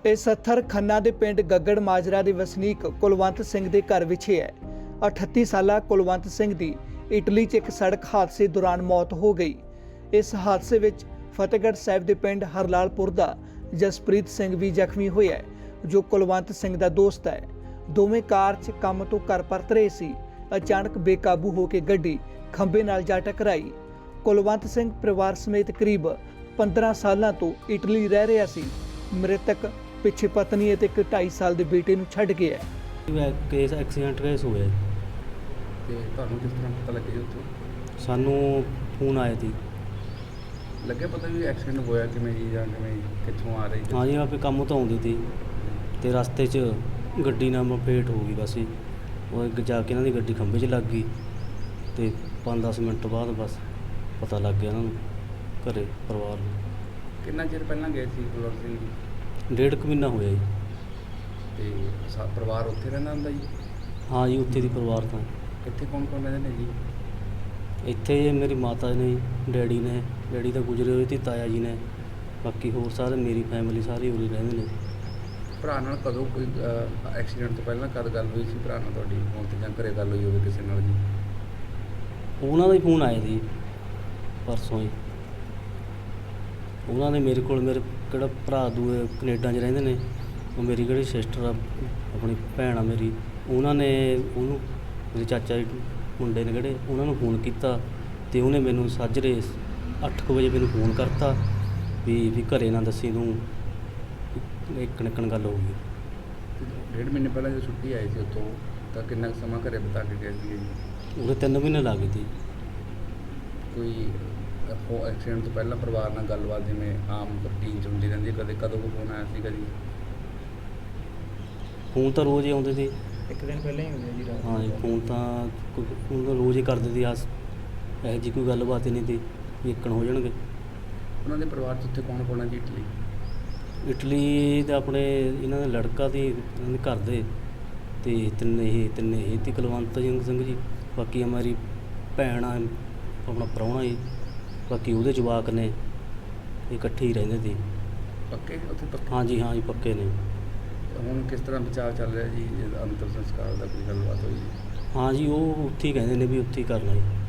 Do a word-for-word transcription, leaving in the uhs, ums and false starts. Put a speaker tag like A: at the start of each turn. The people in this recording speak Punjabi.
A: ਇਹ ਸੱਥਰ ਖੰਨਾ ਦੇ ਪਿੰਡ ਗੱਗੜ ਮਾਜਰਾ ਦੇ ਵਸਨੀਕ ਕੁਲਵੰਤ ਸਿੰਘ ਦੇ ਘਰ ਵਿਖੇ ਹੈ। ਅਠੱਤੀ ਸਾਲਾ ਕੁਲਵੰਤ ਸਿੰਘ ਦੀ ਇਟਲੀ 'ਚ ਇੱਕ ਸੜਕ ਹਾਦਸੇ ਦੌਰਾਨ ਮੌਤ ਹੋ ਗਈ। ਇਸ ਹਾਦਸੇ ਵਿੱਚ ਫਤਿਹਗੜ੍ਹ ਸਾਹਿਬ ਦੇ ਪਿੰਡ ਹਰਲਾਲਪੁਰ ਦਾ ਜਸਪ੍ਰੀਤ ਸਿੰਘ ਵੀ ਜ਼ਖਮੀ ਹੋਇਆ ਹੈ, ਜੋ ਕੁਲਵੰਤ ਸਿੰਘ ਦਾ ਦੋਸਤ ਹੈ। ਦੋਵੇਂ ਕਾਰ 'ਚ ਕੰਮ ਤੋਂ ਘਰ ਪਰਤ ਰਹੇ ਸੀ। ਅਚਾਨਕ ਬੇਕਾਬੂ ਹੋ ਕੇ ਗੱਡੀ ਖੰਭੇ ਨਾਲ ਜਾ ਟਕਰਾਈ। ਕੁਲਵੰਤ ਸਿੰਘ ਪਰਿਵਾਰ ਸਮੇਤ ਕਰੀਬ ਪੰਦਰਾਂ ਸਾਲਾਂ ਤੋਂ ਇਟਲੀ ਰਹਿ ਰਿਹਾ ਸੀ। ਮ੍ਰਿਤਕ ਪਿੱਛੇ ਪਤਨੀ ਅਤੇ ਇੱਕ ਢਾਈ ਸਾਲ ਦੇ ਬੇਟੇ ਨੂੰ ਛੱਡ ਗਿਆ ਹੈ।
B: ਕੇਸ ਐਕਸੀਡੈਂਟ ਕੇਸ ਹੋਇਆ ਜੀ।
C: ਤੇ ਤੁਹਾਨੂੰ ਕਿਸ ਤਰ੍ਹਾਂ ਪਤਾ ਲੱਗਿਆ ਜੀ ਉੱਥੋਂ?
B: ਸਾਨੂੰ ਫੋਨ ਆਇਆ ਸੀ।
C: ਲੱਗਿਆ ਪਤਾ ਵੀ ਐਕਸੀਡੈਂਟ ਹੋਇਆ ਕਿਵੇਂ ਜੀ ਜਾਂ ਕਿਵੇਂ ਕਿੱਥੋਂ ਆ ਰਹੀ?
B: ਹਾਂ ਜੀ, ਆਪੇ ਕੰਮ ਤੋਂ ਆਉਂਦੀ ਸੀ ਤੇ ਰਸਤੇ 'ਚ ਗੱਡੀ ਨਾਲ ਮਪੇਟ ਹੋ ਗਈ। ਬਸ ਜੀ ਉਹ ਅੱਗੇ ਜਾ ਕੇ ਇਹਨਾਂ ਦੀ ਗੱਡੀ ਖੰਭੇ 'ਚ ਲੱਗ ਗਈ ਤੇ ਪੰਜ ਦਸ ਮਿੰਟ ਬਾਅਦ ਬਸ ਪਤਾ ਲੱਗ ਗਿਆ ਇਹਨਾਂ ਨੂੰ, ਘਰੇ ਪਰਿਵਾਰ ਨੂੰ।
C: ਕਿੰਨਾ ਚਿਰ ਪਹਿਲਾਂ ਗਏ ਸੀ ਕੁਲਵੰਤ ਸਿੰਘ ਜੀ?
B: ਡੇਢ ਕੁ ਮਹੀਨਾ ਹੋਇਆ ਜੀ।
C: ਤੇ ਸਾ ਪਰਿਵਾਰ ਉੱਥੇ ਰਹਿੰਦਾ ਹੁੰਦਾ ਜੀ?
B: ਹਾਂ ਜੀ, ਉੱਥੇ ਦੀ ਪਰਿਵਾਰ ਤਾਂ
C: ਇੱਥੇ ਕੌਣ ਕੌਣ ਰਹਿੰਦੇ ਨੇ ਜੀ?
B: ਇੱਥੇ ਮੇਰੀ ਮਾਤਾ ਨੇ, ਡੈਡੀ ਨੇ, ਡੈਡੀ ਤਾਂ ਗੁਜ਼ਰੇ ਹੋਏ ਤੇ ਤਾਇਆ ਜੀ ਨੇ, ਬਾਕੀ ਹੋਰ ਸਾਰੇ ਮੇਰੀ ਫੈਮਿਲੀ ਸਾਰੀ ਉਰੇ ਰਹਿੰਦੇ ਨੇ।
C: ਭਰਾ ਨਾਲ ਕਦੋਂ ਕੋਈ ਐਕਸੀਡੈਂਟ ਤੋਂ ਪਹਿਲਾਂ ਕਦ ਗੱਲ ਹੋਈ ਸੀ ਭਰਾ ਨਾਲ ਤੁਹਾਡੀ? ਫੋਨ ਤੇ ਜਾਂ ਘਰੇ ਗੱਲ ਹੋਈ ਹੋਵੇ ਕਿਸੇ ਨਾਲ ਜੀ?
B: ਉਹਨਾਂ ਦਾ ਹੀ ਫੋਨ ਆਇਆ ਸੀ ਪਰਸੋਂ ਹੀ। ਉਹਨਾਂ ਨੇ ਮੇਰੇ ਕੋਲ, ਮੇਰੇ ਕਿਹੜਾ ਭਰਾ ਦੂਏ ਕੈਨੇਡਾ 'ਚ ਰਹਿੰਦੇ ਨੇ, ਉਹ ਮੇਰੀ ਕਿਹੜੀ ਸਿਸਟਰ ਆ, ਆਪਣੀ ਭੈਣ ਆ ਮੇਰੀ, ਉਹਨਾਂ ਨੇ ਉਹਨੂੰ, ਮੇਰੇ ਚਾਚਾ ਜੀ ਮੁੰਡੇ ਨੇ ਕਿਹੜੇ, ਉਹਨਾਂ ਨੂੰ ਫੋਨ ਕੀਤਾ ਤੇ ਉਹਨੇ ਮੈਨੂੰ ਸਾਜਰੇ ਅੱਠ ਕੁ ਵਜੇ ਮੈਨੂੰ ਫੋਨ ਕਰਤਾ ਵੀ ਵੀ ਘਰੇ ਨਾ ਦੱਸੀ ਤੂੰ, ਇੱਕ ਨਿਕਣ ਗੱਲ ਹੋ ਗਈ।
C: ਡੇਢ ਮਹੀਨੇ ਪਹਿਲਾਂ ਜਦੋਂ ਛੁੱਟੀ ਆਈ ਸੀ ਉੱਥੋਂ, ਤਾਂ ਕਿੰਨਾ ਕੁ ਸਮਾਂ ਘਰੇ ਬਿਤਾ ਕੇ ਗਏ ਸੀ ਜੀ?
B: ਉਹਦੇ ਤਿੰਨ ਮਹੀਨੇ ਲੱਗ ਗਏ ਸੀ।
C: ਕੋਈ ਹੋ ਐਕਸੀਡੈਂਟ ਤੋਂ ਪਹਿਲਾਂ ਪਰਿਵਾਰ ਨਾਲ ਗੱਲਬਾਤ ਜਿਵੇਂ ਆਮ ਰੂਟੀਨ 'ਚ ਹੁੰਦੀ ਰਹਿੰਦੀ ਹੈ, ਕਦੇ ਕਦੋਂ ਕੋਈ ਫੋਨ ਆਇਆ ਸੀ ਕਦੀ?
B: ਫੋਨ ਤਾਂ ਰੋਜ਼ ਹੀ ਆਉਂਦੇ ਸੀ।
C: ਇੱਕ ਦਿਨ ਪਹਿਲਾਂ ਹੀ ਹੋਇਆ ਜੀ ਰਾਤ?
B: ਹਾਂ ਜੀ, ਫੋਨ ਤਾਂ ਕੋਈ ਫੋਨ ਤਾਂ ਰੋਜ਼ ਹੀ ਕਰਦੇ ਸੀ। ਆਸ ਇਹੋ ਜਿਹੀ ਕੋਈ ਗੱਲਬਾਤ ਹੀ ਨਹੀਂ ਸੀ ਵੀ ਇੱਕਣ ਹੋ ਜਾਣਗੇ।
C: ਉਹਨਾਂ ਦੇ ਪਰਿਵਾਰ 'ਚ ਉੱਥੇ ਕੌਣ ਕੌਣ ਹੈ ਜੀ ਇਟਲੀ?
B: ਇਟਲੀ ਦੇ ਆਪਣੇ ਇਹਨਾਂ ਦਾ ਲੜਕਾ ਤੇ ਇਹਨਾਂ ਦੇ ਘਰ ਦੇ ਤੇ ਤਿੰਨੇ ਇਹ ਤਿੰਨੇ ਇਹ ਤੇ ਕੁਲਵੰਤ ਸਿੰਘ ਸਿੰਘ ਜੀ, ਬਾਕੀ ਮੇਰੀ ਭੈਣ ਆ, ਆਪਣਾ ਪ੍ਰਾਹੁਣਾ ਜੀ, ਬਾਕੀ ਉਹਦੇ ਜਵਾਕ ਨੇ, ਇਹ ਇਕੱਠੇ ਹੀ ਰਹਿੰਦੇ ਸੀ।
C: ਪੱਕੇ ਉੱਥੇ ਪੱਕੇ?
B: ਹਾਂ ਜੀ, ਹਾਂ ਜੀ, ਪੱਕੇ ਨੇ।
C: ਹੁਣ ਕਿਸ ਤਰ੍ਹਾਂ ਵਿਚਾਰ ਚੱਲ ਰਿਹਾ ਜੀ ਅੰਤਿਮ ਸੰਸਕਾਰ ਦਾ, ਕੋਈ ਗੱਲਬਾਤ ਹੋਈ?
B: ਹਾਂ ਜੀ, ਉਹ ਉੱਥੇ ਹੀ ਕਹਿੰਦੇ ਨੇ ਵੀ ਉੱਥੇ ਹੀ ਕਰਨਾ ਜੀ।